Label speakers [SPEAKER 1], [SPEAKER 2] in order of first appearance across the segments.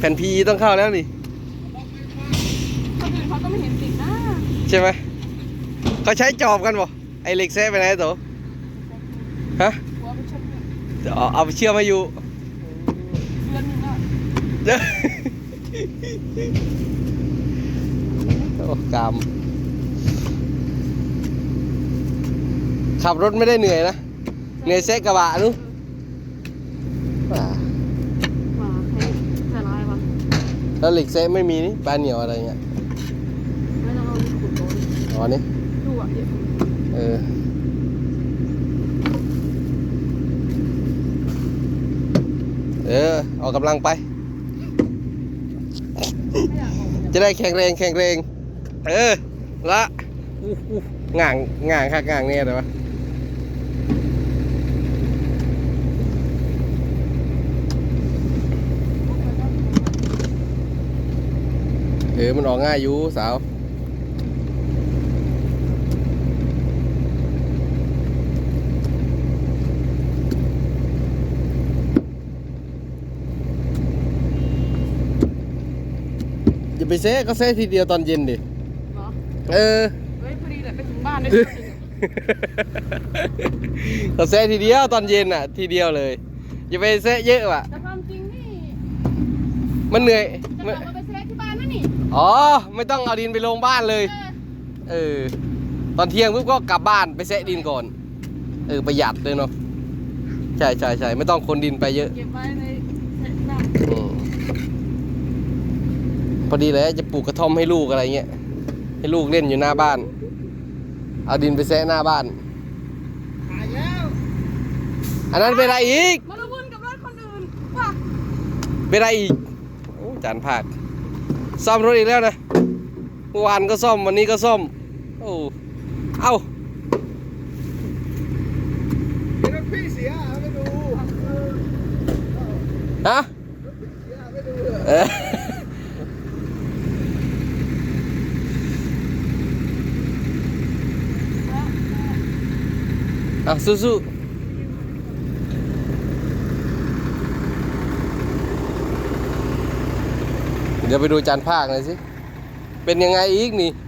[SPEAKER 1] แผ่นพีต้องเข้าแล้วนี่
[SPEAKER 2] คนอื่นเขาก็ไม่เห็นติดนะ
[SPEAKER 1] ใช่ไหมเขาใช้จอบกันบ่ไอเหล็กแซะไปไหนตัวฮะเอาไปเชื่อมมาอยู่
[SPEAKER 2] เดือนนึงอ่ะ
[SPEAKER 1] โอ้กามขับรถไม่ได้เหนื่อยนะเหนื่อยแซะกระบะนู้นแล้วเหล็กแซะไม่มีนี่ปลาเหนียวอะไรเงี้ย
[SPEAKER 2] ไม่ต้องเอาขุดโดน
[SPEAKER 1] อ๋อนี่
[SPEAKER 2] ดูอ่ะ
[SPEAKER 1] ออกกำลังไปจะได้แข็งแรงละง่างค่ะง่างเนี่ยแต่ว่ามันออกง่ายอยู่สาวอย่าไปเซ่ก็เซ่ทีเดียวตอนเย็นดิเฮ้ย
[SPEAKER 2] พอดีเลยไปถึงบ้านได้
[SPEAKER 1] ก็เซ่ทีเดียวตอนเย็นอ่ะทีเดียวเลยอย่าไปเซ่เยอะว่ะ
[SPEAKER 2] แต่ความจริงนี่
[SPEAKER 1] มันเหนื่อย
[SPEAKER 2] จะเอาไปเซ่ที่บ้านนั่นนี่
[SPEAKER 1] อ๋อไม่ต้องเอาดินไปลงบ้านเลยตอนเที่ยงปุ๊บก็กลับบ้านไปเซะดินก่อนประหยัดเลยเนาะใช่ไม่ต้องคนดินไปเยอะ
[SPEAKER 2] เก็บไว้ในน้
[SPEAKER 1] ำพอดีเลยจะปลูกกระท่อมให้ลูกอะไรเงี้ยให้ลูกเล่นอยู่หน้าบ้านเอาดินไปเซะหน้าบ้านอันนั้นเป็นอะไรอีก
[SPEAKER 2] มาละวุ่นกับรถคนอื่นว่ะ
[SPEAKER 1] เป็นอะไรอีกโอ้จานพลาดซ่อมรถอีกแล้วนะเมื่อวานก็ซ่อมวันนี้ก็ซ่อมโอ้เอ้า
[SPEAKER 3] รถพี่เสียไม่ดู
[SPEAKER 1] ฮะ
[SPEAKER 3] ไม่ดู
[SPEAKER 1] สู้เดี๋ยวไปดูจานภาคหน่อยสิเป็นยังไงอีกนี่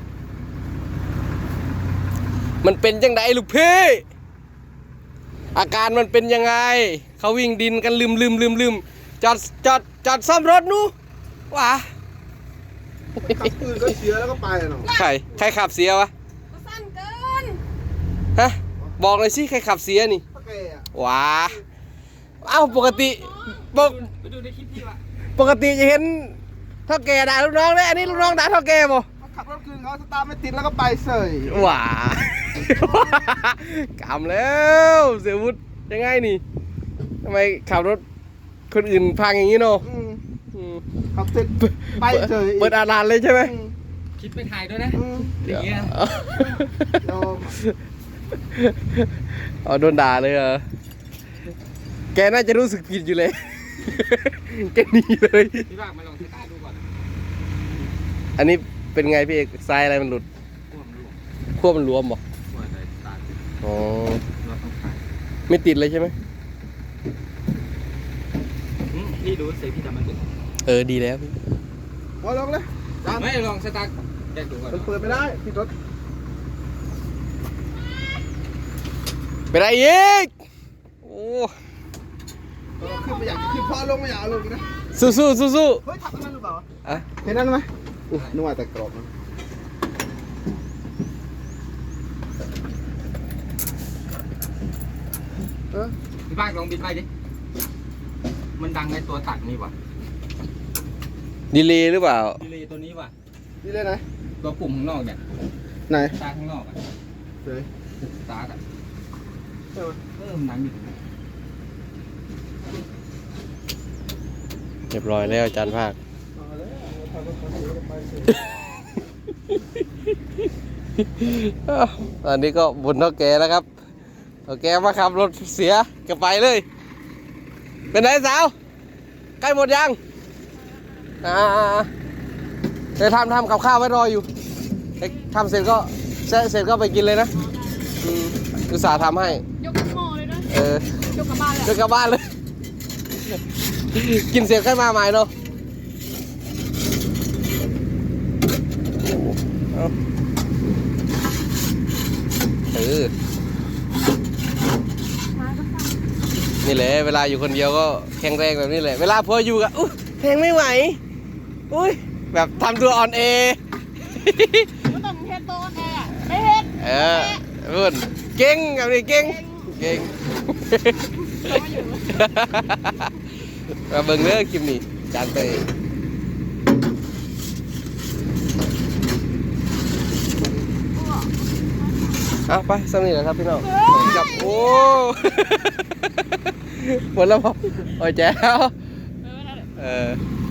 [SPEAKER 1] มันเป็นยังไงลูกพี่อาการมันเป็นยังไงเขาวิ่งดินกันลืมจอดซ่อมรถนู้ว้า
[SPEAKER 3] ขับปืนก็เสียแล้วก็ไปเนาะ
[SPEAKER 1] ใครขับเสียวะ
[SPEAKER 2] สั้นเกิน
[SPEAKER 1] ฮะบอกเลยสิใครขับเสียนี่ว้าเอ้าปกติ
[SPEAKER 2] ไปดูในคลิปพี่วะ
[SPEAKER 1] ปกติจะเห็นเท่าแก่ด่าลูกน้องเลยอันนี้ลูกน้องด่าเท่าแก่บ่
[SPEAKER 3] ขับรถคืนเขาสตาร์ทไม่ติดแล้วก็ไปเสย
[SPEAKER 1] ว้ากำแล้วเสียวุฒิยังไงนี่ทำไมขับรถคนอื่นพังอย่างนี้เนาะ
[SPEAKER 3] ขับติดไปเสย
[SPEAKER 1] เปิดอาลานเลยใช่ไหม
[SPEAKER 2] คิดไปถ่ายด้วยนะอย่างเงี้ย
[SPEAKER 1] โดนด่าเลยเหรอแกน่าจะรู้สึกผิดอยู่เลยแกหนีเลย
[SPEAKER 2] พี่บ้ามาลองสตาร์ทดูก่อน
[SPEAKER 1] อันนี้เป็นไงพี่เอกทรายอะไรมันหลุดขั้วมันรวมบ่อ๋อไม่ติดเลยใช่ไหม
[SPEAKER 2] พี่ดูสิพี่ทำมัน
[SPEAKER 1] ดีแล้วพี่
[SPEAKER 3] พอลองเลย
[SPEAKER 2] ไม่ลองสตาร์ทแยกดูก่อน
[SPEAKER 3] มันเปิดไม่ได้พี่รถ
[SPEAKER 1] เป็นไรอีกโอ้
[SPEAKER 3] ขึ้นไม่อยากขึ้นพอลงไม่อยากลงนะ
[SPEAKER 1] สู้เ
[SPEAKER 3] ฮ้ยทับนั่นหรือเปล่าเห็นนั่นไหมนึกว่าแต่กรอบนะ
[SPEAKER 2] พี่บ้านลองบินไปดิมันดังในตัวตัดนี่วะ
[SPEAKER 1] ดีเลย์หรือเปล่า
[SPEAKER 2] ดีเลย์ตัวนี้วะ
[SPEAKER 3] ดีเลย์ไหน
[SPEAKER 2] ตัวปุ่มข้างนอกเนี่ย
[SPEAKER 3] ไหน
[SPEAKER 2] ตาข้างนอกอ่ะ
[SPEAKER 3] เลย
[SPEAKER 2] ตาอ่ะมันดังอยู่
[SPEAKER 1] เรียบร้อยแล้วอาจารย์ภาคตอนนี้ก็บนเท่าแก่แล้วครับเท่าแก่มาขับรถเสียก็ไปเลยเป็นไงสาวใกล้หมดยังเดี๋ยวทำกับข้าวไว้รออยู่ทำเสร็จก็เสร็จก็ไปกินเลยนะอุตส่าห์ทำให้
[SPEAKER 2] ยกหม้อเลยนะยกกลับบ้านเลย
[SPEAKER 1] กินเสร็จค่อยมาใหม่เนาะเออนี่แหละเวลาอยู่คนเดียวก็แข็งแรงแบบนี้แหละเวลาพออยู่กับอุ้ยแข็งไม่ไหวอุ้ยแบบทำตัวอ่อนเอ
[SPEAKER 3] ไม่ต้องเฮ็ดโตแน่ไม่เฮ็ด
[SPEAKER 1] รุ่นเก่งแบบนี้เก่งเก่ง มาเบิ่งเด้อคลิปนี้จานเตยเอาไปสำนีแหละครับพี่น้องกับโอ้ หมดแล้วพอโอ้ยแจ๋ว